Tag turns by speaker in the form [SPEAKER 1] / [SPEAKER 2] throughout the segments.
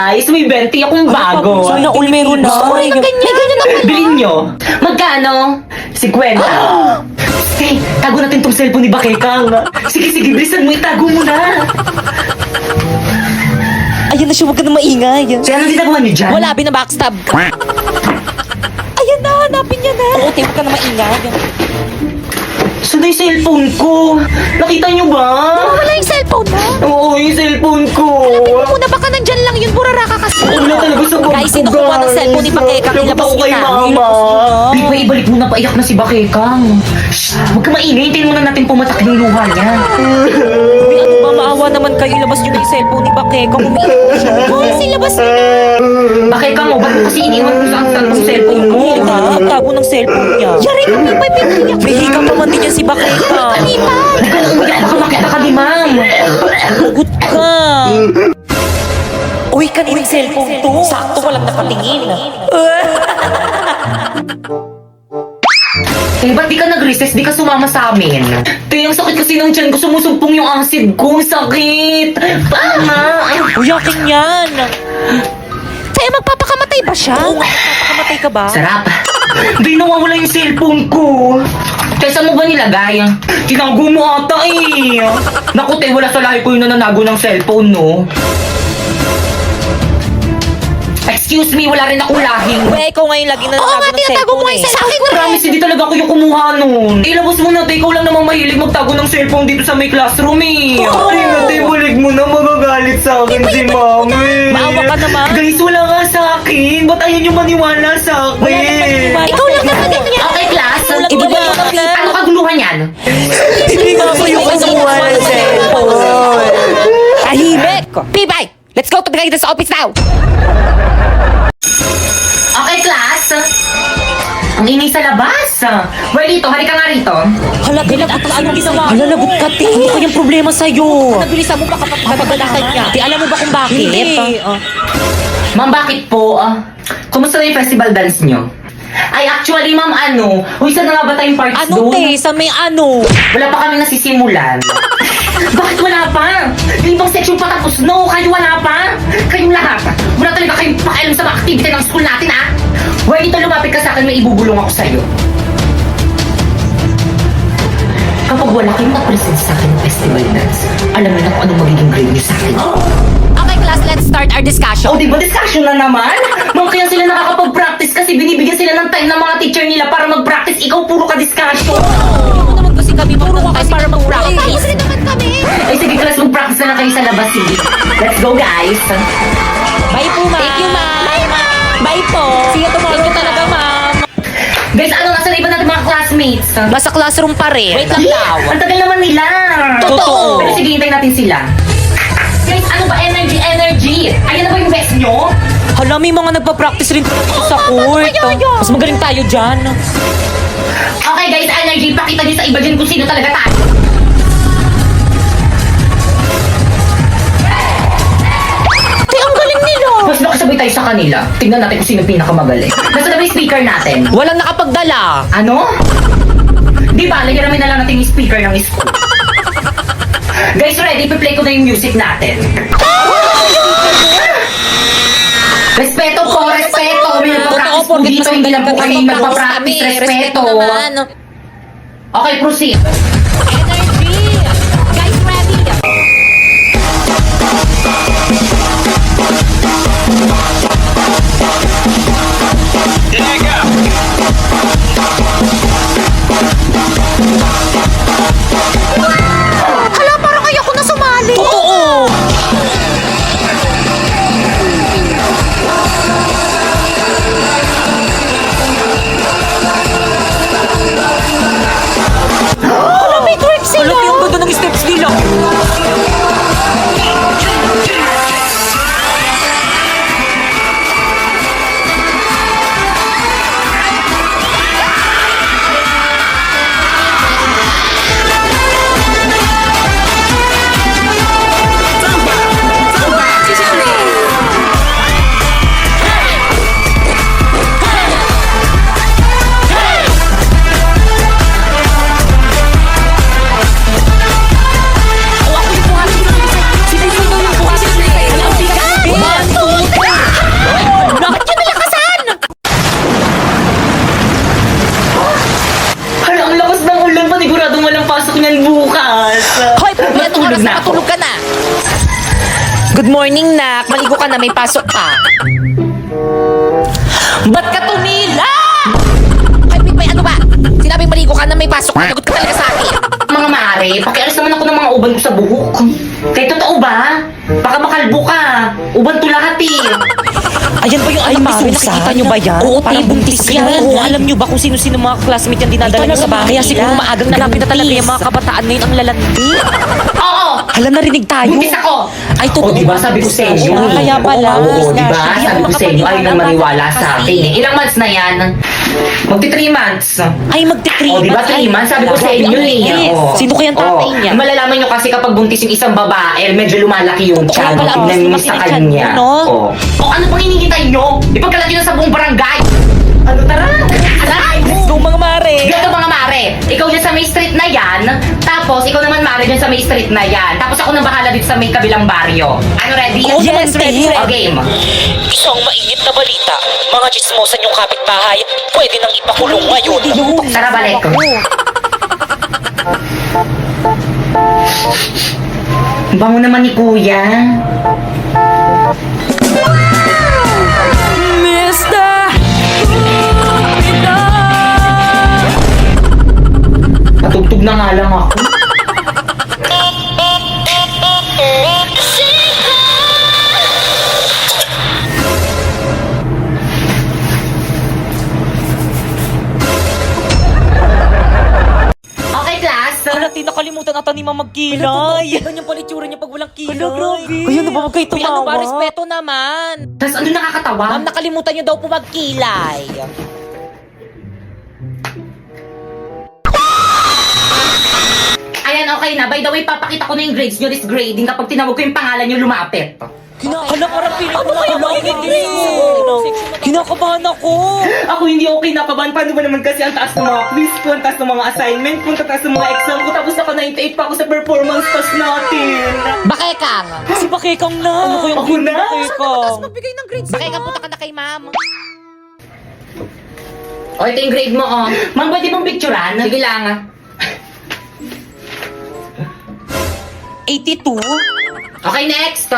[SPEAKER 1] guys, may 20 akong bago.
[SPEAKER 2] Sana all meron na.
[SPEAKER 3] Gusto ko rin na ganyan. Ganyan na pala.
[SPEAKER 1] Bilhin nyo. Magkano? 50. Hey, tago natin tong cellphone ni Bakekang. Sige, sige, bilisan mo, itago mo na.
[SPEAKER 2] Ayan na siya, huwag ka na maingay.
[SPEAKER 1] So, ano ginagawa niyo dyan?
[SPEAKER 2] Wala, binabackstab ka. Ayan na, hanapin niya na. Oo, te, huwag ka na maingay.
[SPEAKER 1] Saan na yung cellphone ko? Nakita niyo ba?
[SPEAKER 3] Wala yung cellphone mo.
[SPEAKER 1] Oo, yung cellphone ko.
[SPEAKER 3] Muna baka nandyan lang yun. Burara ka kasi.
[SPEAKER 1] Wala talaga sa bag
[SPEAKER 2] Guys,
[SPEAKER 1] ko,
[SPEAKER 2] sino kumuha ng cellphone ni Bakekang?
[SPEAKER 1] Labot
[SPEAKER 2] Ilabas
[SPEAKER 1] ako
[SPEAKER 2] niyo
[SPEAKER 1] kay
[SPEAKER 2] na.
[SPEAKER 1] Mama.
[SPEAKER 2] Ilabas niyo na.
[SPEAKER 1] Di ba, ibalik mo na, paiyak na si Bakekang. Shh, huwag ka maingay, hintayin muna natin pumatak yung luha niya.
[SPEAKER 2] Uy, ano ba, maawa naman kayo. Ilabas niyo na yung cellphone ni Bakekang. Umiiyak siya.
[SPEAKER 3] Hoy, silabas mo na.
[SPEAKER 1] Bakekang, ba't mo kasi iniwan ko sa aktan ng cellphone mo?
[SPEAKER 2] Hindi na, tago ng cellphone niya.
[SPEAKER 3] Yari ka, may piniyak.
[SPEAKER 2] May hika pa man din yan si Bakekang.
[SPEAKER 3] Lipat.
[SPEAKER 1] Huwag ka nang umiyak, baka makita ka ni ma'am.
[SPEAKER 2] Hugot ka. Uy, kanina yung cellphone to. Sakto, walang nakatingin.
[SPEAKER 1] Eh, ba't di ka nag-recess? Di ka sumama sa amin? Te, ang sakit kasi ng tiyan ko. Sumusumpong yung acid ko. Sakit. Tama.
[SPEAKER 2] Uy, akin yan.
[SPEAKER 3] Kaya magpapakamatay ba siya?
[SPEAKER 2] Oo, papakamatay ka ba?
[SPEAKER 1] Sarap. Di nawawala yung cellphone ko. Kaya saan mo ba nilagay? Tinago mo ata eh. Naku, te, wala sa lahi ko yung nananago ng cellphone, no? Excuse me, wala rin akong lahing.
[SPEAKER 2] Uy, ikaw ngayon lagi na
[SPEAKER 3] Oo nga,
[SPEAKER 2] nagtago ng
[SPEAKER 3] tinatago mo
[SPEAKER 2] cellphone
[SPEAKER 3] nga yung cellphone.
[SPEAKER 1] Promise, hindi talaga ako yung kumuha nun. Ilabas mo na, te. Ikaw lang naman mahilig magtago ng cellphone dito sa may classroom, eh.
[SPEAKER 2] Oo.
[SPEAKER 1] Ay, na, te, balik mo na. Magagalit sa akin si mami.
[SPEAKER 2] Maawa ka naman.
[SPEAKER 1] Guys, wala nga sa akin. Ba't ayaw niyo maniwala sa akin?
[SPEAKER 2] Wala naman maniwala.
[SPEAKER 3] Ikaw lang naman ganyan.
[SPEAKER 1] Okay, class.
[SPEAKER 2] Walang
[SPEAKER 1] Ibigay
[SPEAKER 2] wala
[SPEAKER 1] mo
[SPEAKER 2] naman.
[SPEAKER 1] na. Ano kaguluhan yan?
[SPEAKER 2] Hindi nga ako yung kumuha ng cellphone. Tahimik! Pibay! Let's go to the guidance office now!
[SPEAKER 1] Okay, class. Ang ingay sa labas. Well, dito, halika nga rito.
[SPEAKER 2] Hala, lagot ka. Anong ginawa? Hala, lagot ka, te. Hindi ko yung problema sa'yo. Nabilisan mo ba kapagalakan niya? Te, alam mo ba kung bakit? Hindi.
[SPEAKER 1] Ma'am, bakit po? Kumusta na yung festival dance nyo? Ay, actually, ma'am, Uy, saan na nga ba tayong parts
[SPEAKER 2] Ano,
[SPEAKER 1] doon?
[SPEAKER 2] te? Sa may ano?
[SPEAKER 1] Wala pa kami nasisimulan. Bakit wala pa? Yung ibang section pa tapos, no, kayo wala pa? Kayong lahat. Wala talaga kayong pakialam sa mga activity ng school natin, ah. Well, dito lumapit ka sa akin, may ibubulong ako sa'yo. Kapag wala kayong mag-present sa akin ng festival dance, alam mo na kung anong magiging grade niyo sa akin.
[SPEAKER 3] Okay, class, let's start our discussion.
[SPEAKER 1] O, di ba discussion na naman? Ma'am, kaya sila nakakapag-practice kasi binibigyan sila ng time ng mga teacher nila para mag-practice. Ikaw, puro ka discussion.
[SPEAKER 2] Hindi naman kasi kami puro ka para mag-practice.
[SPEAKER 3] Ayos rin naman kami.
[SPEAKER 1] Ay, sige, class, mag-practice na lang kayo sa labas, sige. Let's go, guys.
[SPEAKER 2] Bye po, ma'am. Thank you, ma'am. Bye, ma'am. Bye po. See you tomorrow. Thank you talaga, ma'am.
[SPEAKER 1] Guys, nasa na iba natin mga classmates?
[SPEAKER 2] Nasa classroom pa rin. Wait lang daw.
[SPEAKER 1] Ang tagal naman nila.
[SPEAKER 2] Totoo.
[SPEAKER 1] Pero sige, hintayin natin sila. Guys, ano ba? Energy. Ayan na ba yung best nyo?
[SPEAKER 2] Hala, may mga nagpa-practice rin dito sa court. Mas magaling tayo dyan.
[SPEAKER 1] Okay, guys, energy. Pakita nyo sa iba dyan kung sino talaga tayo.
[SPEAKER 3] Ang galing nila.
[SPEAKER 1] Mas nakasabay tayo sa kanila. Tingnan natin kung sino pinakamagaling. Nasa na ba yung speaker natin?
[SPEAKER 2] Walang nakapagdala.
[SPEAKER 1] Ano? Di ba, hiramin na lang natin yung speaker ng school. Guys, ready? Ipi-play ko na yung music natin. Respeto po, respeto. May nagpa-practice po dito. Hindi lang po kami nagpa-practice. Respeto. Okay, proceed.
[SPEAKER 3] Energy. Guys, ready. Hala, parang ayoko na sumali.
[SPEAKER 2] Oo. Hala, may twerk
[SPEAKER 1] Natulog na ako.
[SPEAKER 2] Matulog ka na. Good morning, nak. Maligo ka na, may pasok ka. Ba't ka tumila? Ay, Pipay, ano ba? Sinabi maligo ka na, may pasok ka. Nagot ka talaga sa akin.
[SPEAKER 1] Mga mare, pakialis naman ako ng mga uban ko sa buhok. Kaya totoo ba? Baka makalbo ka. Uban to lahat eh.
[SPEAKER 2] Ayan ba yung alam ni Susan? Nakikita nyo ba yan? Oo, parang buntis yan. Oo, alam nyo ba kung sino-sino mga classmate yan dinadala niyo sa bahay? Kaya siguro maagang nalapit na talaga yung mga kabataan ngayon ang lalandi.
[SPEAKER 1] Oo!
[SPEAKER 2] Alam, narinig tayo.
[SPEAKER 1] Buntis ako!
[SPEAKER 2] Ay, totoo.
[SPEAKER 1] O, diba sabi ko sa inyo?
[SPEAKER 2] Ah, kaya pala.
[SPEAKER 1] Oo, diba?
[SPEAKER 2] Hindi
[SPEAKER 1] Sabi
[SPEAKER 2] ako
[SPEAKER 1] ko sa inyo, ayaw nang maniwala sa
[SPEAKER 2] Kasi-
[SPEAKER 1] akin eh. Ilang months na yan? Magti 3 months.
[SPEAKER 2] Ay, magti-3
[SPEAKER 1] O, diba 3 months? Sabi ko sa inyo eh. O.
[SPEAKER 2] Sino kaya ang tatay niya?
[SPEAKER 1] Malalaman nyo kasi kapag buntis yung isang babae, medyo lumalaki yung
[SPEAKER 2] Totoo
[SPEAKER 1] tiyan.
[SPEAKER 2] pala,
[SPEAKER 1] Tignan nyo
[SPEAKER 2] mas
[SPEAKER 1] sa
[SPEAKER 2] lumaki yung
[SPEAKER 1] kanya.
[SPEAKER 2] tiyan mo, no?
[SPEAKER 1] O, ano pang hinihintay nyo? Ipagkalat nyo na sa buong barangay. Ano, tara? Aray!
[SPEAKER 2] Go, mga mare.
[SPEAKER 1] Ganito mga mare, ikaw dyan sa may street na yan, tapos ikaw naman mare dyan sa may street na yan, tapos ako nang bahala dito sa may kabilang baryo. Ano, ready?
[SPEAKER 2] Oo, yes, ready.
[SPEAKER 1] O, game.
[SPEAKER 2] Isang mainit na balita. Mga chismosan yung kapitbahay, pwede nang ipakulong ngayon.
[SPEAKER 1] Tara, balik. Bango naman ni Kuya. Patugtog na nga lang ako. Okay, class.
[SPEAKER 2] Alati, nakalimutan ata ni Mama magkilay. Ganyan pala itsura niya pag walang kilay. Hala, grabe. Ayun, na ba huwag kayo tumawa? Ano ba, respeto naman.
[SPEAKER 1] Tapos ano nakakatawa?
[SPEAKER 2] Ma'am, nakalimutan niyo daw po magkilay.
[SPEAKER 1] Ayan, okay na. By the way, papakita ko na yung grades nyo this grading kapag tinawag ko yung pangalan nyo lumapit.
[SPEAKER 2] Hala, parang piling ko na kinakabahan ako.
[SPEAKER 1] Ako hindi okay nakabahan. Paano ba naman kasi ang taas ng mga quiz ko, ang taas ng mga assignment ko, ang taas ng mga exam ko, tapos naka 98 pa ako sa performance test natin.
[SPEAKER 3] Bakekang.
[SPEAKER 2] Si Bakekang na. Ano ko yung
[SPEAKER 1] Ako na?
[SPEAKER 2] Bakekang?
[SPEAKER 3] Magbigay ng grades.
[SPEAKER 2] Bakekang, punta ka na kay ma'am.
[SPEAKER 1] O, ito yung grade mo, oh. Ma'am, pwede bang picturean? Sige lang, ah.
[SPEAKER 2] 82?
[SPEAKER 1] Okay, next.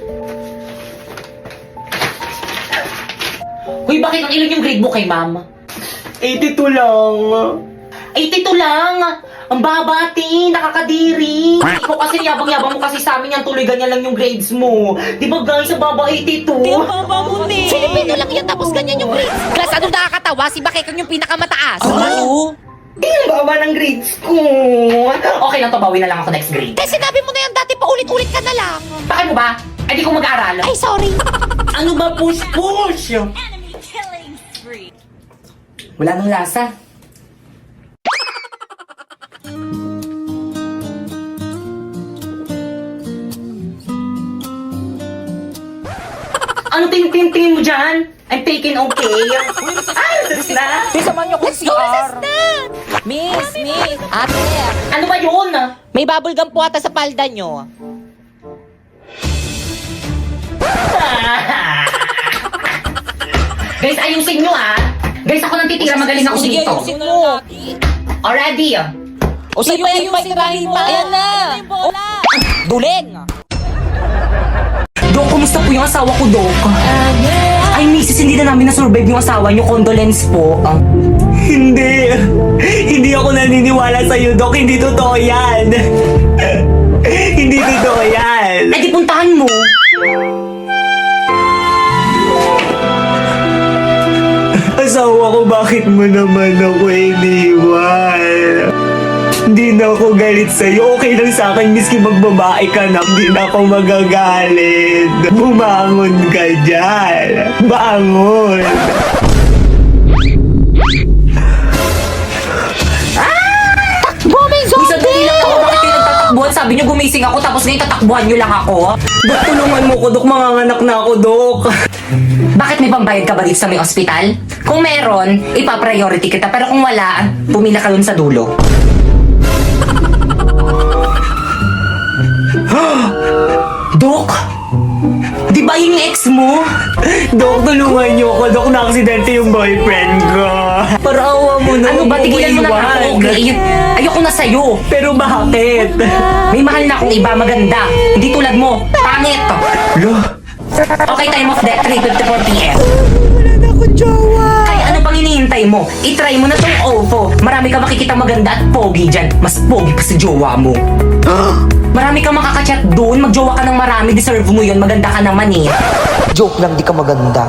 [SPEAKER 1] Uy, bakit ang ilan yung grade mo kay ma'am? 82 lang. 82 lang? Ang babati, nakakadiri. Ikaw kasi yabang-yabang mo kasi sa amin yan, tuloy ganyan lang yung grades mo. Di ba guys, ang baba 82?
[SPEAKER 2] baba mo ni.
[SPEAKER 3] Filipino lang yan tapos ganyan yung grades. Class, anong nakakatawa? Si Bakekang yung pinakamataas.
[SPEAKER 2] Oo.
[SPEAKER 1] Di ang baba ng grades ko. Okay lang to, bawi na lang ako next grade.
[SPEAKER 3] Eh, sinabi mo na yan dati, paulit-ulit ka na lang.
[SPEAKER 1] Bakit mo ba? Ay, di ko mag-aaral.
[SPEAKER 3] Ay, sorry.
[SPEAKER 1] Ano ba push-push? Wala nang lasa. Ano tingin mo dyan? I'm taking okay. Ay, sus na.
[SPEAKER 2] Samahan niyo ko si CR. Miss.
[SPEAKER 3] Ate,
[SPEAKER 1] Ano ba yun?
[SPEAKER 3] may bubble gum po ata sa palda nyo.
[SPEAKER 1] Guys, ayusin nyo ah. Guys, ako nang titira. Magaling ako dito.
[SPEAKER 2] mo.
[SPEAKER 1] Already.
[SPEAKER 2] O sa'yo yung pagtrahin mo. Ayan na. Duling.
[SPEAKER 1] Dok, kumusta po yung asawa ko, Dok? Ay, misis, hindi na namin na-survive yung asawa niyo. Condolence po. Hindi. Hindi ako naniniwala sa'yo, Dok. Hindi totoo yan. Hindi totoo yan. Ay, di puntahan mo. Asawa ko, bakit mo naman ako iniwan? Hindi na ako galit sa'yo. Okay lang sa akin, miski magbabae ka na. Hindi na ako magagalit. Bumangon ka dyan. Bangon.
[SPEAKER 3] Bumay
[SPEAKER 1] Uy,
[SPEAKER 3] zombie!
[SPEAKER 1] sandali lang ako. Bakit kayo nagtatakbuhan? Sabi niyo gumising ako tapos ngayon tatakbuhan niyo lang ako. Dok, tulungan mo ko, Dok. Manganganak na ako, Dok. Bakit may pambayad ka ba dito sa may ospital? Kung meron, ipa-priority kita. Pero kung wala, pumila ka dun sa dulo. Dok, di ba yung ex mo?
[SPEAKER 2] Dok, tulungan niyo ako. Dok, na-aksidente yung boyfriend ko. Parawa mo na.
[SPEAKER 1] Ano ba, tigilan mo na ako, okay? Ayoko na sa'yo.
[SPEAKER 2] Pero bakit?
[SPEAKER 1] May mahal na akong iba, maganda. Hindi tulad mo, pangit.
[SPEAKER 2] Lo,
[SPEAKER 1] Okay, time of death, 3:54 p.m.
[SPEAKER 2] wala na akong jowa.
[SPEAKER 1] Kaya ano pang hinihintay mo? I-try mo na tong OVO. Marami ka makikita maganda at pogi dyan. Mas pogi pa sa jowa mo. Marami kang makakachat doon. Magjowa ka ng marami. Deserve mo yun. Maganda ka naman eh.
[SPEAKER 2] Joke lang, di ka maganda.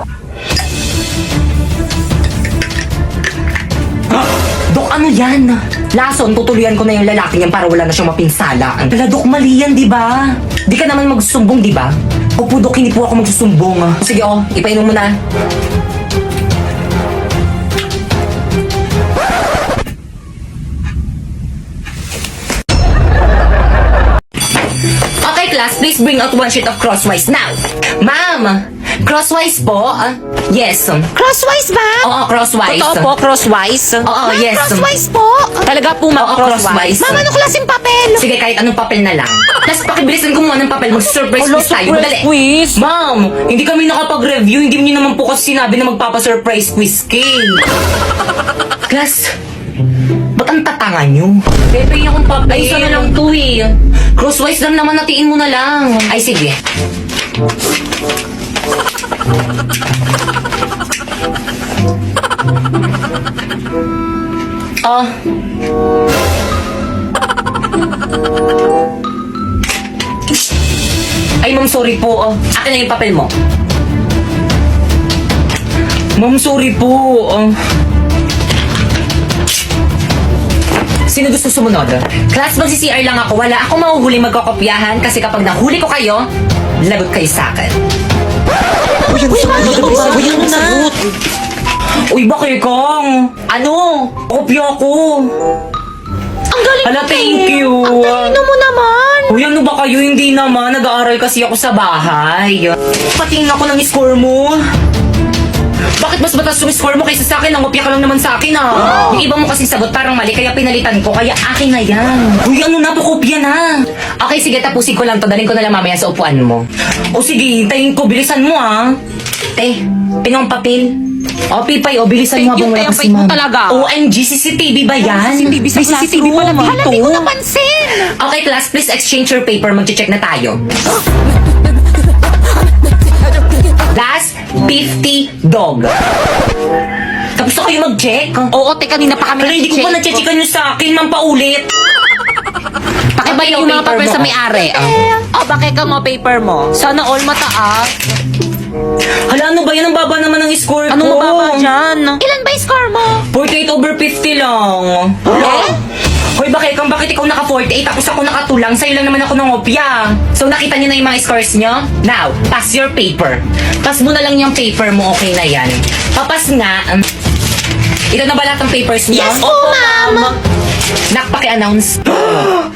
[SPEAKER 1] Dok, ano yan? Lason, tutuluyan ko na yung lalaking yan para wala na siyang mapinsalaan. Wala, Dok, mali yan, di ba? Di ka naman magsusumbong, di ba? Opo, Dok, hindi po ako magsusumbong. Sige, ipainom mo na. Okay, class, please bring out one sheet of crosswise now. Ma'am, crosswise po? Yes.
[SPEAKER 3] Crosswise ba?
[SPEAKER 1] Oo, crosswise.
[SPEAKER 3] Totoo po, crosswise?
[SPEAKER 1] Oo,
[SPEAKER 3] Ma'am,
[SPEAKER 1] yes.
[SPEAKER 3] crosswise po. Talaga po, ma'am,
[SPEAKER 1] Oo,
[SPEAKER 3] crosswise.
[SPEAKER 1] crosswise.
[SPEAKER 3] Ma'am, anong klaseng papel?
[SPEAKER 1] Sige, kahit anong papel na lang. Tapos pakibilisan ko muna ng papel. Mag-surprise quiz tayo. Madali.
[SPEAKER 2] quiz?
[SPEAKER 1] Ma'am, hindi kami nakapag-review. Hindi niyo naman po kasi sinabi na magpapa-surprise quiz kay. Class, ba't ang tatanga niyo? Pepe, akong papel. Ay, isa na lang to eh. Crosswise lang naman, natiin mo na lang. Ay, sige. Ay, ma'am, sorry po. Akin na yung papel mo. Ma'am, sorry po. Sino gusto sumunod? Class, magsi-CR lang ako. Wala akong mahuhuli magkakopyahan kasi kapag nahuli ko kayo, lagot kayo sa akin.
[SPEAKER 2] Uy, ano na?
[SPEAKER 1] Uy, bakit kang? Ano? Kopya ko.
[SPEAKER 3] Ang galing
[SPEAKER 1] Hala,
[SPEAKER 3] mo,
[SPEAKER 1] thank
[SPEAKER 3] eh.
[SPEAKER 1] you.
[SPEAKER 3] Ang talino mo naman.
[SPEAKER 1] Uy, ano ba kayo? Hindi naman. Nag-aaral kasi ako sa bahay. Patingin ako ng score mo. Bakit mas mataas yung score mo kaysa sa akin? Nangopya ka lang naman sa akin ah. Yung iba mo kasing sagot parang mali kaya pinalitan ko. Kaya akin na yan. Uy, ano na? Pakopya na. Okay, sige. Tapusin ko lang to. Daling ko na lang mamaya sa upuan mo. O sige, hintayin ko. Bilisan mo ah. Te, pinong papel. O, Pipay, o, bilisan mo
[SPEAKER 3] Thank you,
[SPEAKER 1] habang wala
[SPEAKER 3] Te.
[SPEAKER 1] kasi
[SPEAKER 3] Ang bait mo
[SPEAKER 1] ma'am.
[SPEAKER 3] talaga.
[SPEAKER 1] OMG, CCTV ba yan?
[SPEAKER 3] CCTV sa
[SPEAKER 1] May CCTV
[SPEAKER 3] classroom.
[SPEAKER 1] pala dito.
[SPEAKER 3] Hala, di ko napansin.
[SPEAKER 1] Okay, class, please exchange your paper. Mag-check na tayo. Last 50 dog. Tapos na kayo mag-check?
[SPEAKER 3] Oo, te, kanina pa kami
[SPEAKER 1] Pero hindi ko pa
[SPEAKER 3] nag-check.
[SPEAKER 1] na-checkan nyo sa akin, ma'am, paulit.
[SPEAKER 3] Pakibay yung mga
[SPEAKER 1] paper
[SPEAKER 3] papel
[SPEAKER 1] mo.
[SPEAKER 3] sa may-ari. Oh, bakit ka mo paper mo? Sana all mataas.
[SPEAKER 1] Hala, ano ba yan? Ang baba naman ng score ko.
[SPEAKER 3] Anong mababa dyan? Ilan ba yung score mo?
[SPEAKER 1] 48/50 lang.
[SPEAKER 3] Eh?
[SPEAKER 1] Hoy, bakit ikaw naka-48 tapos ako nakatulang? Sa'yo lang naman ako ng opya. So, nakita niyo na yung mga scores niyo? Now, pass your paper. Pass mo na lang yung paper mo, okay na yan. Papas nga. Ito na ba lahat ng papers niyo?
[SPEAKER 3] Yes po, ma'am.
[SPEAKER 1] Nak, paki-announce.